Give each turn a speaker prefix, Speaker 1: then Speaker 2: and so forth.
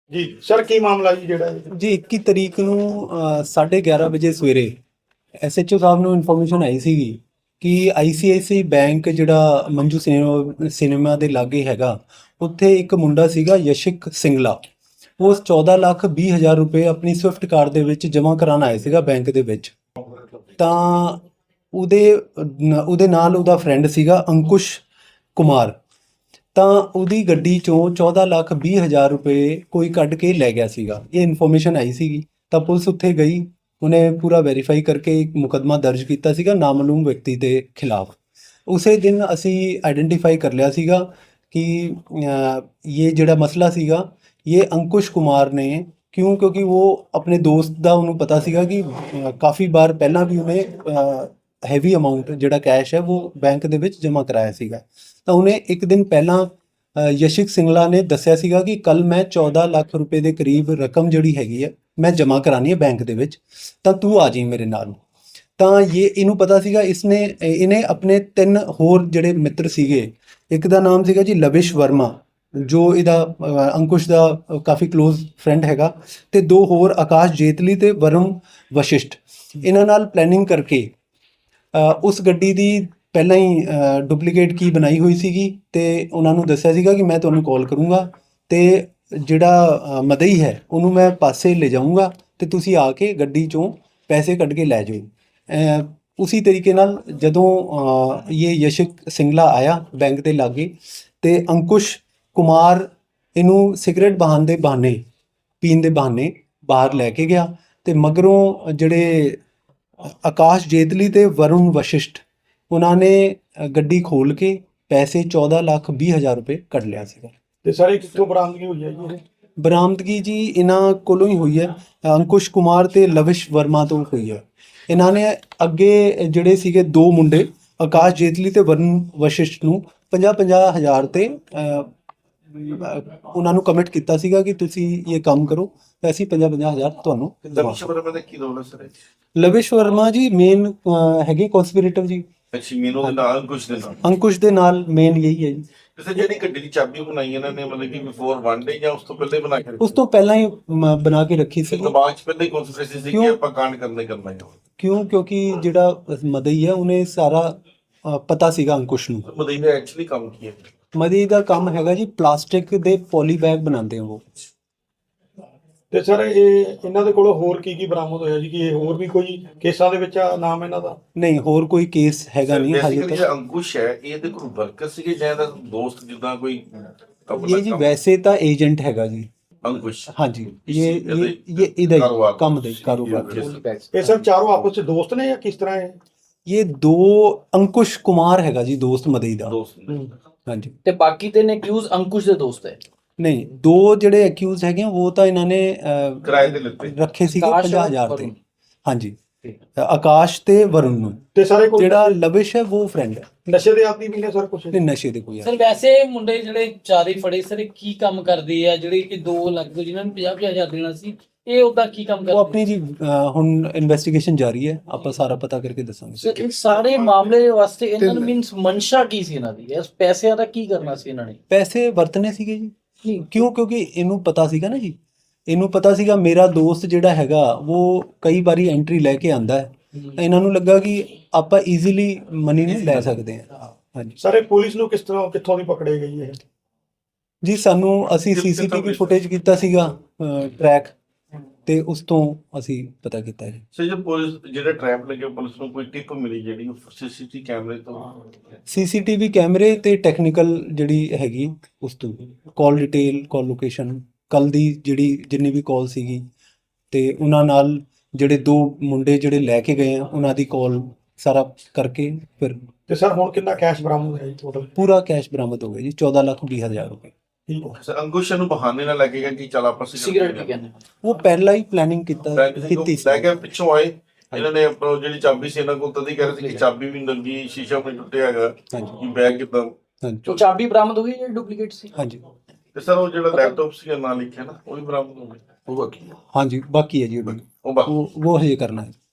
Speaker 1: ਜੀ ਸਰ ਕੀ ਮਾਮਲਾ ਜੀ ਜਿਹੜਾ
Speaker 2: ਜੀ 21 ਤਰੀਕ ਨੂੰ 11:30 ਵਜੇ ਸਵੇਰੇ ਐਸਐਚਓ ਸਾਹਿਬ ਨੂੰ ਇਨਫੋਰਮੇਸ਼ਨ ਆਈ ਸੀਗੀ ਕਿ ਆਈਸੀਆਈਸੀ ਬੈਂਕ ਜਿਹੜਾ ਮੰਜੂ ਸਿਨੇਮਾ ਦੇ ਲਾਗੇ ਹੈਗਾ, ਉੱਥੇ ਇੱਕ ਮੁੰਡਾ ਸੀਗਾ ਯਸ਼ਿਕ ਸਿੰਗਲਾ। ਉਹ 14,20,000 ਰੁਪਏ ਆਪਣੀ ਸਵਿਫਟ ਕਾਰ ਦੇ ਵਿੱਚ ਜਮ੍ਹਾਂ ਕਰਾਉਣ ਆਇਆ ਸੀਗਾ ਬੈਂਕ ਦੇ ਵਿੱਚ। ਤਾਂ ਉਹਦੇ ਨਾਲ ਉਹਦਾ ਫਰੈਂਡ ਸੀਗਾ ਅੰਕੁਸ਼ ਕੁਮਾਰ। ਤਾਂ ਉਹਦੀ ਗੱਡੀ ਚੋਂ 14,20,000 ਰੁਪਏ ਕੋਈ ਕੱਢ ਕੇ ਲੈ ਗਿਆ ਸੀਗਾ। ਇਹ ਇਨਫੋਰਮੇਸ਼ਨ ਆਈ ਸੀਗੀ ਤਾਂ ਪੁਲਿਸ ਉੱਥੇ ਗਈ, ਉਹਨੇ ਪੂਰਾ ਵੈਰੀਫਾਈ ਕਰਕੇ ਇੱਕ ਮੁਕੱਦਮਾ ਦਰਜ ਕੀਤਾ ਸੀਗਾ ਨਾਮਾਲੂਮ ਵਿਅਕਤੀ ਦੇ ਖਿਲਾਫ। ਉਸੇ ਦਿਨ ਅਸੀਂ ਆਈਡੈਂਟੀਫਾਈ ਕਰ ਲਿਆ ਸੀਗਾ ਕਿ ਇਹ ਜਿਹੜਾ ਮਸਲਾ ਸੀਗਾ ਇਹ ਅੰਕੁਸ਼ ਕੁਮਾਰ ਨੇ ਕਿਉਂਕਿ ਉਹ ਆਪਣੇ ਦੋਸਤ ਦਾ ਉਹਨੂੰ ਪਤਾ ਸੀਗਾ ਕਿ ਕਾਫੀ ਵਾਰ ਪਹਿਲਾਂ ਵੀ ਉਹਨੇ ਹੈਵੀ ਅਮਾਊਂਟ ਜਿਹੜਾ ਕੈਸ਼ ਹੈ ਉਹ ਬੈਂਕ ਦੇ ਵਿੱਚ ਜਮ੍ਹਾਂ ਕਰਾਇਆ ਸੀਗਾ। ਤਾਂ ਉਹਨੇ ਇੱਕ ਦਿਨ ਪਹਿਲਾਂ ਯਸ਼ਿਕ ਸਿੰਗਲਾ ਨੇ ਦੱਸਿਆ ਸੀਗਾ ਕਿ ਕੱਲ ਮੈਂ 14 ਲੱਖ ਰੁਪਏ ਦੇ ਕਰੀਬ ਰਕਮ ਜਿਹੜੀ ਹੈਗੀ ਹੈ ਮੈਂ ਜਮ੍ਹਾਂ ਕਰਾਉਣੀ ਹੈ ਬੈਂਕ ਦੇ ਵਿੱਚ, ਤਾਂ ਤੂੰ ਆ ਜਾਈਂ ਮੇਰੇ ਨਾਲ। ਤਾਂ ਇਹਨੂੰ ਪਤਾ ਸੀਗਾ। ਇਹਨੇ ਆਪਣੇ 3 ਹੋਰ ਜਿਹੜੇ ਮਿੱਤਰ ਸੀਗੇ, ਇੱਕ ਦਾ ਨਾਮ ਸੀਗਾ ਜੀ ਲਵਿਸ਼ ਵਰਮਾ ਜੋ ਇਹਦਾ ਅੰਕੁਸ਼ ਦਾ ਕਾਫੀ ਕਲੋਜ਼ ਫਰੈਂਡ ਹੈਗਾ, ਤੇ 2 ਹੋਰ ਆਕਾਸ਼ ਜੇਤਲੀ ਤੇ ਵਰੁਣ ਵਸ਼ਿਸ਼ਟ। ਇਹਨਾਂ ਨਾਲ ਪਲੈਨਿੰਗ ਕਰਕੇ ਉਸ ਗੱਡੀ ਦੀ ਪਹਿਲਾਂ ਹੀ ਡੁਪਲੀਕੇਟ ਕੀ ਬਣਾਈ ਹੋਈ ਸੀਗੀ ਤੇ ਉਹਨਾਂ ਨੂੰ ਦੱਸਿਆ ਸੀਗਾ ਕਿ ਮੈਂ ਤੁਹਾਨੂੰ ਕਾਲ ਕਰੂੰਗਾ ਤੇ ਜਿਹੜਾ ਮਦਈ ਹੈ ਉਹਨੂੰ ਮੈਂ ਪਾਸੇ ਲੈ ਜਾਊਂਗਾ ਤੇ ਤੁਸੀਂ ਆ ਕੇ ਗੱਡੀ ਚੋਂ ਪੈਸੇ ਕੱਢ ਕੇ ਲੈ ਜਾਓ। ਉਸੇ ਤਰੀਕੇ ਨਾਲ ਜਦੋਂ ਇਹ ਯਸ਼ਿਕ ਸਿੰਗਲਾ ਆਇਆ ਬੈਂਕ ਦੇ ਲਾਗੇ ਤੇ ਅੰਕੁਸ਼ ਕੁਮਾਰ ਇਹਨੂੰ ਸਿਗਰਟ ਪੀਣ ਦੇ ਬਹਾਨੇ ਬਾਹਰ ਲੈ ਕੇ ਗਿਆ ਤੇ ਮਗਰੋਂ ਜਿਹੜੇ ਆਕਾਸ਼ ਜੇਤਲੀ ਤੇ ਵਰੁਣ ਵਸ਼ਿਸ਼ਟ ਉਹਨਾਂ ਨੇ ਗੱਡੀ ਖੋਲ ਕੇ ਪੈਸੇ 14,20,000 ਰੁਪਏ ਕੱਢ ਲਿਆ ਸੀਗਾ।
Speaker 1: ਤੇ ਸਾਰੇ ਕਿੱਥੋਂ ਬਰਾਮਦਗੀ ਹੋਈ ਹੈ ਜੀ?
Speaker 2: ਬਰਾਮਦਗੀ ਜੀ ਇਹਨਾਂ ਕੋਲੋਂ ਹੀ ਹੋਈ ਹੈ, ਅੰਕੁਸ਼ ਕੁਮਾਰ ਤੇ ਲਵਿਸ਼ ਵਰਮਾ ਤੋਂ ਹੋਈ ਹੈ। ਇਹਨਾਂ ਨੇ ਅੱਗੇ ਜਿਹੜੇ ਸੀਗੇ 2 ਮੁੰਡੇ ਆਕਾਸ਼ ਜੇਤਲੀ ਤੇ ਵਰੁਣ ਵਸ਼ਿਸ਼ਟ ਨੂੰ 50,000 ਤੇ ਉਹਨਾਂ ਨੂੰ ਕਮਿਟ ਕੀਤਾ ਸੀਗਾ ਕਿ ਤੁਸੀਂ ਇਹ ਕੰਮ ਕਰੋ ਤੇ ਅਸੀਂ 50,000 ਤੁਹਾਨੂੰ
Speaker 3: ਲਵਿਸ਼ ਵਰਮਾ ਦਾ ਕੀ ਰੋਲ ਹੈ ਸਰ?
Speaker 2: ਲਵਿਸ਼ ਵਰਮਾ ਜੀ ਮੇਨ ਹੈਗੇ ਕਨਸਪੀਰੇਟਿਵ ਜੀ।
Speaker 3: ਅੱਛਾ, ਮੈਨੂੰ ਦੇ ਨਾਲ
Speaker 2: ਅੰਕੁਸ਼ ਦੇ ਨਾਲ ਮੇਨ ਯਹੀ ਹੈ ਜੀ।
Speaker 3: ਕਿਸੇ ਜਿਹੜੀ ਗੱਡੀ ਦੀ ਚਾਬੀ ਬਣਾਈ ਇਹਨਾਂ ਨੇ ਮਤਲਬ ਕਿ ਬਿਫੋਰ 1 ਡੇ ਜਾਂ ਉਸ ਤੋਂ ਪਹਿਲਾਂ ਹੀ ਬਣਾ ਕੇ
Speaker 2: ਉਸ ਤੋਂ ਪਹਿਲਾਂ ਹੀ ਬਣਾ ਕੇ ਰੱਖੀ ਸੀ।
Speaker 3: ਦਿਮਾਗ 'ਚ ਪਹਿਲਾਂ ਹੀ ਕਨਸਪੀਰੇਸੀ ਸੀ ਕਿ ਆਪਾਂ ਕਾਂਡ ਕਰਨਾ ਹੈ।
Speaker 2: ਕਿਉਂਕਿ ਜਿਹੜਾ ਮਦਈ ਹੈ ਉਹਨੇ ਸਾਰਾ ਪਤਾ ਸੀਗਾ ਅੰਕੁਸ਼ ਨੂੰ।
Speaker 3: ਮਦਈ ਨੇ ਐਕਚੁਅਲੀ ਕੰਮ ਕੀ ਹੈ?
Speaker 2: ਮਦਈ ਦਾ ਕੰਮ ਹੈਗਾ ਜੀ ਪਲਾਸਟਿਕ ਦੇ ਪੋਲੀ ਬੈਗ ਬਣਾਉਂਦੇ ਆ ਉਹ।
Speaker 1: ਤੇ ਸਰ ਇਹਨਾਂ ਦੇ ਕੋਲੋਂ ਹੋਰ ਕੀ ਬਰਾਮਦ ਹੋਇਆ ਜੀ? ਕਿ ਇਹ ਹੋਰ ਵੀ ਕੋਈ ਕੇਸਾਂ ਦੇ ਵਿੱਚ ਨਾਮ ਇਹਨਾਂ ਦਾ?
Speaker 2: ਨਹੀਂ, ਹੋਰ ਕੋਈ ਕੇਸ ਹੈਗਾ ਨਹੀਂ ਹਾਲੇ ਤੱਕ।
Speaker 3: ਅੰਕੁਸ਼ ਹੈ ਇਹਦੇ ਕੋਲ ਵਰਕਰ ਸੀਗੇ ਜਾਂ ਇਹਦਾ ਦੋਸਤ ਜਿੱਦਾਂ ਕੋਈ?
Speaker 2: ਇਹ ਜੀ ਵੈਸੇ ਤਾਂ ਏਜੰਟ ਹੈਗਾ ਜੀ
Speaker 3: ਅੰਕੁਸ਼।
Speaker 2: ਹਾਂਜੀ, ਇਹ ਇਹਦਾ ਕੰਮ ਦਾ ਕਾਰੋਬਾਰ।
Speaker 1: ਇਹ ਸਰ ਚਾਰੋਂ ਆਪਸ ਵਿੱਚ ਦੋਸਤ ਨੇ ਜਾਂ ਕਿਸ ਤਰ੍ਹਾਂ ਹੈ?
Speaker 2: ਇਹ 2 ਅੰਕੁਸ਼ ਕੁਮਾਰ ਹੈਗਾ ਜੀ ਦੋਸਤ ਮਦਈ ਦਾ। ਹਾਂਜੀ,
Speaker 4: ਤੇ ਬਾਕੀ 3 ਅਕਿਊਜ਼ ਅੰਕੁਸ਼ ਦੇ ਦੋਸਤ ਹੈ?
Speaker 2: ਨਹੀਂ, 2 ਜਿਹੜੇ ਅਕਿਊਜ਼ ਹੈਗੇ ਉਹ ਤਾਂ ਇਹਨਾਂ ਨੇ
Speaker 3: ਕਿਰਾਏ ਤੇ ਲਿੱਤੇ
Speaker 2: ਰੱਖੇ ਸੀਗੇ 50,000 ਤੇ। ਹਾਂਜੀ, ਆਕਾਸ਼ ਤੇ ਵਰੁਣ ਨੂੰ।
Speaker 1: ਤੇ ਸਾਰੇ ਕੋਈ
Speaker 2: ਜਿਹੜਾ ਲਵਿਸ਼ ਹੈ ਉਹ ਫਰੈਂਡ ਹੈ।
Speaker 1: ਨਸ਼ੇ ਦੇ ਆਦੀ ਵੀ ਨੇ ਸਰ ਕੁਝ?
Speaker 2: ਨਹੀਂ, ਨਸ਼ੇ ਦੇ ਕੋਈ
Speaker 4: ਸਰ ਵੈਸੇ ਮੁੰਡੇ ਜਿਹੜੇ 4 ਫੜੇ ਸਰ ਕੀ ਕੰਮ ਕਰਦੇ ਆ? ਜਿਹੜੇ ਕਿ 2 ਲੱਖ ਜਿਨ੍ਹਾਂ ਨੂੰ 50,000 ਦੇਣਾ ਸੀ, ਇਹ ਉਹਦਾ ਕੀ ਕੰਮ ਕਰਦੇ?
Speaker 2: ਉਹ ਆਪਣੀ ਜੀ ਹੁਣ ਇਨਵੈਸਟੀਗੇਸ਼ਨ ਜਾਰੀ ਹੈ, ਆਪਾਂ ਸਾਰਾ ਪਤਾ ਕਰਕੇ ਦੱਸਾਂਗੇ।
Speaker 4: ਸਰ ਇਹ ਸਾਰੇ ਮਾਮਲੇ ਵਾਸਤੇ ਇਹਨਾਂ ਨੂੰ ਮੀਨਸ ਮਨਸ਼ਾ ਕੀ ਸੀ ਇਹਨਾਂ ਦੀ? ਇਸ ਪੈਸਿਆਂ ਦਾ ਕੀ ਕਰਨਾ ਸੀ ਇਹਨਾਂ ਨੇ?
Speaker 2: ਪੈਸੇ ਵਰਤਨੇ ਸੀਗੇ ਜੀ। ਕਿਉਂਕਿ ਇਹਨੂੰ ਪਤਾ ਸੀਗਾ ਨਾ ਜੀ, ਇਹਨੂੰ ਪਤਾ ਸੀਗਾ ਮੇਰਾ ਦੋਸਤ ਜਿਹੜਾ ਹੈਗਾ ਉਹ ਕਈ ਵਾਰੀ ਐਂਟਰੀ ਲੈ ਕੇ ਆਂਦਾ ਹੈ, ਤਾਂ ਇਹਨਾਂ ਨੂੰ ਲੱਗਾ ਕਿ ਆਪਾਂ ਈਜ਼ੀਲੀ ਮਨੀ ਨੂੰ ਲੈ ਸਕਦੇ ਹਾਂ। ਹਾਂਜੀ
Speaker 1: ਸਾਰੇ ਪੁਲਿਸ ਨੂੰ ਕਿੱਥੋਂ ਦੀ ਪਕੜੇ ਗਈ ਹੈ
Speaker 2: ਜੀ? ਅਸੀਂ ਸੀਸੀਟੀਵੀ ਫੁਟੇਜ ਕੀਤਾ ਸੀਗਾ ਟਰੈਕ, ਤੇ ਉਸ ਤੋਂ ਅਸੀਂ ਪਤਾ ਕੀਤਾ ਜੀ।
Speaker 3: ਸਰ ਜੇ ਪੁਲਿਸ ਜਿਹੜਾ ਟ੍ਰੈਪ ਲੱਗੇ ਪੁਲਿਸ ਨੂੰ ਕੋਈ ਟਿਪ ਮਿਲੀ ਜਿਹੜੀ ਸੀਸੀਟੀਵੀ ਕੈਮਰੇ ਤੋਂ?
Speaker 2: ਸੀਸੀਟੀਵੀ ਕੈਮਰੇ ਤੇ ਟੈਕਨੀਕਲ ਜਿਹੜੀ ਹੈਗੀ ਉਸ ਤੋਂ ਕਾਲ ਡਿਟੇਲ, ਕਾਲ ਲੋਕੇਸ਼ਨ, ਕੱਲ ਦੀ ਜਿੰਨੀ ਵੀ ਕਾਲ ਸੀਗੀ, ਤੇ ਉਹਨਾਂ ਨਾਲ ਜਿਹੜੇ 2 ਮੁੰਡੇ ਜਿਹੜੇ ਲੈ ਕੇ ਗਏ ਆ ਉਹਨਾਂ ਦੀ ਕਾਲ ਸਾਰਾ ਕਰਕੇ ਫਿਰ।
Speaker 1: ਤੇ ਸਰ ਹੁਣ ਕਿੰਨਾ ਕੈਸ਼ ਬਰਾਮਦ ਹੋਇਆ ਜੀ ਟੋਟਲ?
Speaker 2: ਪੂਰਾ ਕੈਸ਼ ਬਰਾਮਦ ਹੋ ਗਿਆ ਜੀ 14,20,000 ਰੁਪਏ।
Speaker 3: ਸਰ ਅੰਕੁਸ਼ ਨੂੰ ਬਹਾਨੇ ਨਾਲ ਲੱਗੇਗਾ ਕਿ ਚਲ ਆਪਾਂ
Speaker 4: ਸਿਗਰਟ ਵੀ ਕਹਿੰਦੇ
Speaker 2: ਉਹ ਪਹਿਲਾਂ ਹੀ ਪਲੈਨਿੰਗ ਕੀਤੀ ਸੀ।
Speaker 3: ਲੈ ਕੇ ਪਿੱਛੋਂ ਆਏ ਇਹਨਾਂ ਨੇ ਆਪਣਾ ਜਿਹੜੀ ਚਾਬੀ ਸੀ ਇਹਨਾਂ ਕੋਲ ਤਦ ਹੀ ਕਹਿ ਰਹੇ ਸੀ ਕਿ ਚਾਬੀ ਵੀ ਨੰਗੀ, ਸ਼ੀਸ਼ਾ ਵੀ ਟੁੱਟਿਆ ਹੈਗਾ,
Speaker 2: ਹਾਂਜੀ,
Speaker 3: ਬੈਗ ਕਿਦਾਂ?
Speaker 2: ਹਾਂਜੀ,
Speaker 4: ਚਾਬੀ ਬਰਾਮਦ ਹੋ ਗਈ ਜਾਂ ਡੁਪਲੀਕੇਟ ਸੀ?
Speaker 2: ਹਾਂਜੀ।
Speaker 3: ਤੇ ਸਰ ਉਹ ਜਿਹੜਾ ਲੈਪਟਾਪ ਸੀ ਨਾਲ ਲਿਖਿਆ ਨਾ ਉਹ ਵੀ ਬਰਾਮਦ ਹੋ ਗਿਆ? ਉਹ ਬਾਕੀ
Speaker 2: ਹਾਂਜੀ, ਬਾਕੀ ਹੈ ਜੀ
Speaker 3: ਉਹ
Speaker 2: ਉਹ ਹਜੇ ਕਰਨਾ ਹੈ।